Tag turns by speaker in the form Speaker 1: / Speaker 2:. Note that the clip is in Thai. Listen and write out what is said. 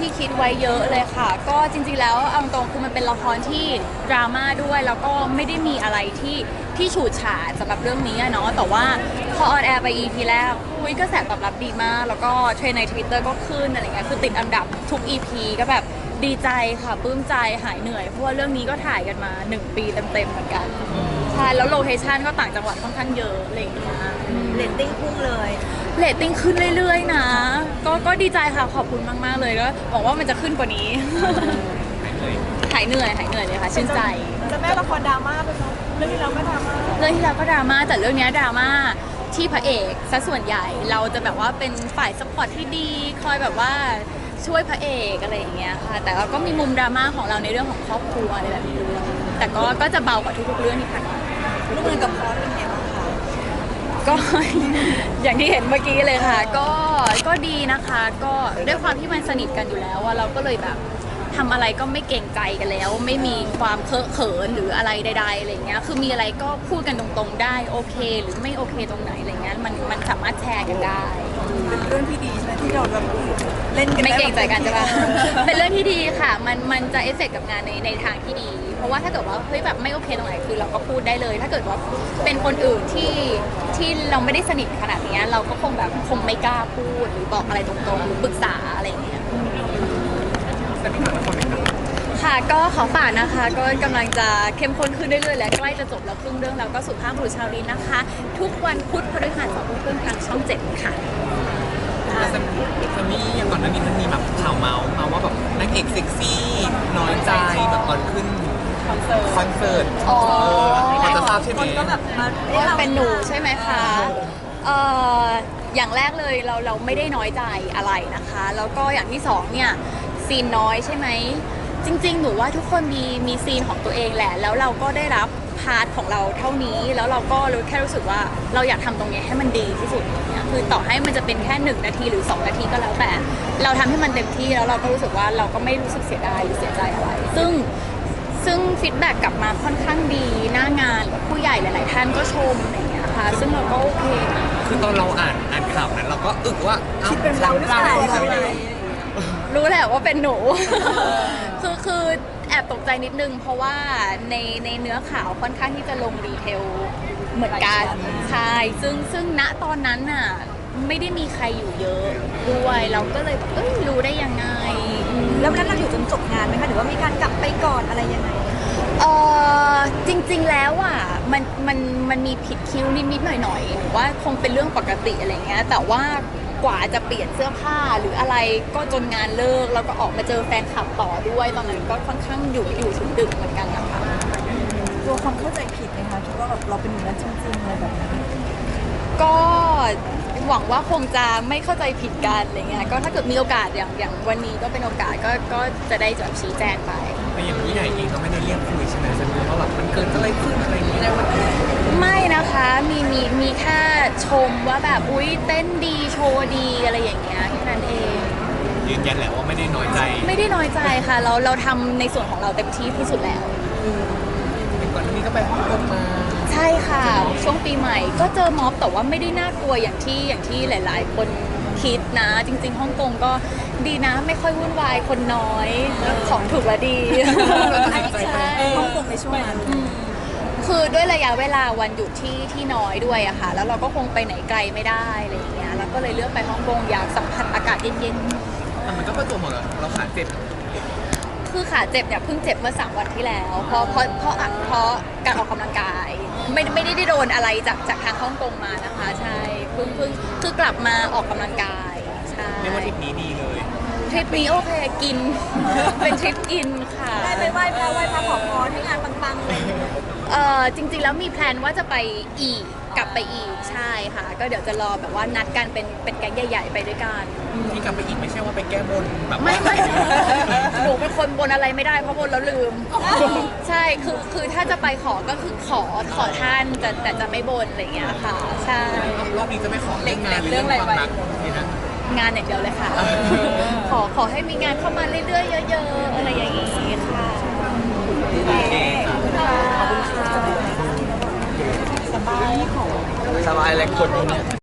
Speaker 1: ที่คิดไว้เยอะเลยค่ะก็จริงๆแล้วเอาตรงคือมันเป็นละครที่ดราม่าด้วยแล้วก็ไม่ได้มีอะไรที่ฉูดฉาดสำหรับเรื่องนี้เนาะแต่ว่าพอออนแอร์ไป EP แรกกระแสตอบรับดีมากแล้วก็เทรนด์ใน Twitter ก็ขึ้นอะไรเงี้ยคือติดอันดับทุก EP ก็แบบดีใจค่ะปลื้มใจหายเหนื่อยเพราะว่าเรื่องนี้ก็ถ่ายกันมา1 ปีเต็มๆเหมือนกันใช่แล้วโลเคชั่นก็ต่างจังหวัดค่อนข้างเยอะอะไรอย่างเงี้ย
Speaker 2: เรตติ้งพุ่งเลย
Speaker 1: เรตติ้งขึ้นเรื่อยๆนะก็ดีใจค่ะขอบคุณมากๆเลยก็หวังว่ามันจะขึ้นกว่านี้หายเหนื่อยเลยค่ะชื่นใจ
Speaker 2: จะแม่ละครดราม่าไปเนาะเรื่องที่เราก็ดราม่า
Speaker 1: แต่เรื่องนี้ดราม่าที่พระเอกซะส่วนใหญ่เราจะแบบว่าเป็นฝ่ายซัพพอร์ตที่ดีคอยแบบว่าช่วยพระเอกอะไรอย่างเงี้ยค่ะแต่เราก็มีมุมดราม่าของเราในเรื่องของครอบครัวอะไรแบบนี้ด้วยแต่ก็จะเบากว่าทุกๆเรื่องที่ผ่านมา
Speaker 2: ร่วมงานกับพอสเป็นไงบ้างคะ
Speaker 1: ก็ อย่างที่เห็นเมื่อกี้เลยค่ะก็ดีนะคะก็ด้วยความที่มันสนิทกันอยู่แล้วว่าเราก็เลยแบบทำอะไรก็ไม่เกรงใจกันแล้วไม่มีความเคอะเขินหรืออะไรใดๆอะไรเงี้ยคือมีอะไรก็พูดกันตรงๆได้โอเคหรือไม่โอเคตรงไหนอะไรเงี้ยมันสามารถแชร์กันได้
Speaker 2: เป็นเรื่องที่ดีใช่ไหมที่เราแบบเล่นกัน
Speaker 1: ไม่เกรงใจกันใช่ปะ เป็นเรื่องที่ดีค่ะมันจะเอฟเฟกต์กับงานในทางที่ดีเพราะว่าถ้าเกิดว่าเฮ้ยแบบไม่โอเคตรงไหนคือเราก็พูดได้เลยถ้าเกิดว่าเป็นคนอื่นที่เราไม่ได้สนิทขนาดนี้เราก็คงไม่กล้าพูดหรือบอกอะไรตรงๆหรือปรึกษาอะไรอย่างเงี้ยค่ะก็ขอฝากนะคะก็กำลังจะเข้มข้นขึ้นเรื่อยๆและใกล้จะจบแล้วครึ่งเรื่องแล้วก็สุภาพบุรุษชาวลินนะคะ ทุกวันพุธพฤหัส2 ทุ่มทางช่อง 7ค่ะ
Speaker 3: ซัมมี่อย่างก่อนหน้านี้มันมีแบบข่าวเมาว่าแบบนางเอกเซ็กซี่น้อยใจแบบตอนขึ้นคอนเสิร์ตพอจะทราบใช่ไหม
Speaker 2: ก็แบบ
Speaker 1: เป็นหนูใช่ไหมคะอย่างแรกเลยเราไม่ได้น้อยใจอะไรนะคะแล้วก็อย่างที่สองเนี่ยซีนน้อยใช่ไหมจริงๆหนูว่าทุกคนมีซีนของตัวเองแหละแล้วเราก็ได้รับพาร์ทของเราเท่านี้แล้วเราก็แค่รู้สึกว่าเราอยากทำตรงนี้ให้มันดีที่สุดเนี่ยคือต่อให้มันจะเป็นแค่1 นาทีหรือ2 นาทีก็แล้วแต่เราทำให้มันเต็มที่แล้วเราก็รู้สึกว่าเราก็ไม่รู้สึกเสียดายหรือเสียใจอะไรซึ่งฟีดแบ็กกลับมาค่อนข้างดีหน้างานผู้ใหญ่หลายๆท่านก็ชมอะไรอย่างเงี้ยค่ะซึ่งเราก็โอเค
Speaker 3: คือตอนเราอ่านข่าวนั้นเราก็อึกว่า
Speaker 2: คิดเป็นเราหรือเปล่า
Speaker 1: รู้แหละว่าเป็นหนู คือแอบตกใจนิดนึงเพราะว่าในเนื้อข่าวค่อนข้างที่จะลงดีเทลเหมือนกันใช่ซึ่งณตอนนั้นน่ะไม่ได้มีใครอยู่เยอะด้วยเราก็เลยรู้ได้ยังไง
Speaker 2: แล้วนั้นเราอยู่จนจบงานไหมคะหรือว่ามีการกลับไปก่อนอะไรยังไง
Speaker 1: จริงๆแล้วอ่ะมันมีผิดคิ้วนิดๆหน่อยๆว่าคงเป็นเรื่องปกติอะไรเงี้ยแต่ว่ากว่าจะเปลี่ยนเสื้อผ้าหรืออะไรก็จนงานเลิกแล้วก็ออกมาเจอแฟนคลับต่อด้วยตอนนั้นก็ค่อนข้างอยู่ถึงดึกเหมือนกันนะคะ
Speaker 2: ตัวความเข้าใจผิดไหมคะคิดว่าแบบเราเป็นอย่างนั้นจริงๆอะไรแบบนี้
Speaker 1: ก็หวังว่าคงจะไม่เข้าใจผิดกันอะไรเงี้ยก็ถ้าเกิดมีโอกาสอย่างวันนี้ก็เป็นโอกาสก็จะได้จะชี้แจงไป
Speaker 3: แต่อย่างผู้ใหญ่เองก็ไม่ได้เรียกคุยใช่ไหมฉันรู้ว่าแบบมันเกิดอะไรขึ้นอะไรอย่างเงี้ย
Speaker 1: ไม่นะคะมีแค่ชมว่าแบบอุ๊ยเต้นดีโชว์ดีอะไรอย่างเงี้ยแค่นั้นเอง
Speaker 3: ยืนยันแหละว่าไม่ได้น้อยใจ
Speaker 1: ค่ะเราทำในส่วนของเราเต็มที่ที่สุดแล้ว
Speaker 3: ก่อนหน้านี้ก็ไปฮ่องกงมา
Speaker 1: ใช่ค่ะช่วงปีใหม่ก็เจอม็อบแต่ว่าไม่ได้น่ากลัวอย่างที่หลายๆคนคิดนะจริงๆฮ่องกงก็ดีนะไม่ค่อยวุ่นวายคนน้อยของถูกและดี
Speaker 2: ใช่ฮ่องกงในช่วงนั้น
Speaker 1: คือด้วยระยะเวลาวันหยุดที่น้อยด้วยอะค่ะแล้วเราก็คงไปไหนไกลไม่ได้อะไรอย่างเงี้ยแล้วก็เลยเลือกไปฮ่องกงอยากสัมผัสอากาศเย็น
Speaker 3: ๆแต่มันก็ประจวบเหมาะกับเราขาเจ็บ
Speaker 1: คือขาเจ็บเนี่ยเพิ่งเจ็บเมื่อ3 วันที่แล้วเพราะการออกกำลังกายไม่ได้โดนอะไรจากทางฮ่องกงมานะคะใช่เพิ่งคือกลับมาออกกำลังกายใช่
Speaker 3: เรียกว่าทริปนี้ดีเลย
Speaker 1: ทริปนี้โอเคกิน เป็นทริปกินค่ะ
Speaker 2: ได้ไปไหว้พระขอพรให้งานปังๆเลย
Speaker 1: จริงๆแล้วมีแพลนว่าจะไปอีกกลับไปอีกใช่ค่ะก็เดี๋ยวจะรอแบบว่านัดกันเป็นแก๊งใหญ่ๆไปด้วยกัน
Speaker 3: ที่กลับไปอีกไม่ใช่ว่าไปแก้บนแบบ
Speaker 1: ไม่หนูเป็นคนบนอะไรไม่ได้เพราะบนแล้วลืมใช่คือถ้าจะไปขอก็คือขอท่านแต่จะไม่บนอะไรอย่างเงี้ยค่ะใช่
Speaker 3: รอบนี้จะไม่ขอเรื่องงานหรือเรื่องความรักนี่นะ
Speaker 1: งานอย่างเดียวเลยค่ะขอให้มีงานเข้ามาเรื่อยๆเยอะๆอะไรอย่างงี้ค่ะ
Speaker 2: ขอบคุณค่ะ
Speaker 3: สบายเลยคนนี้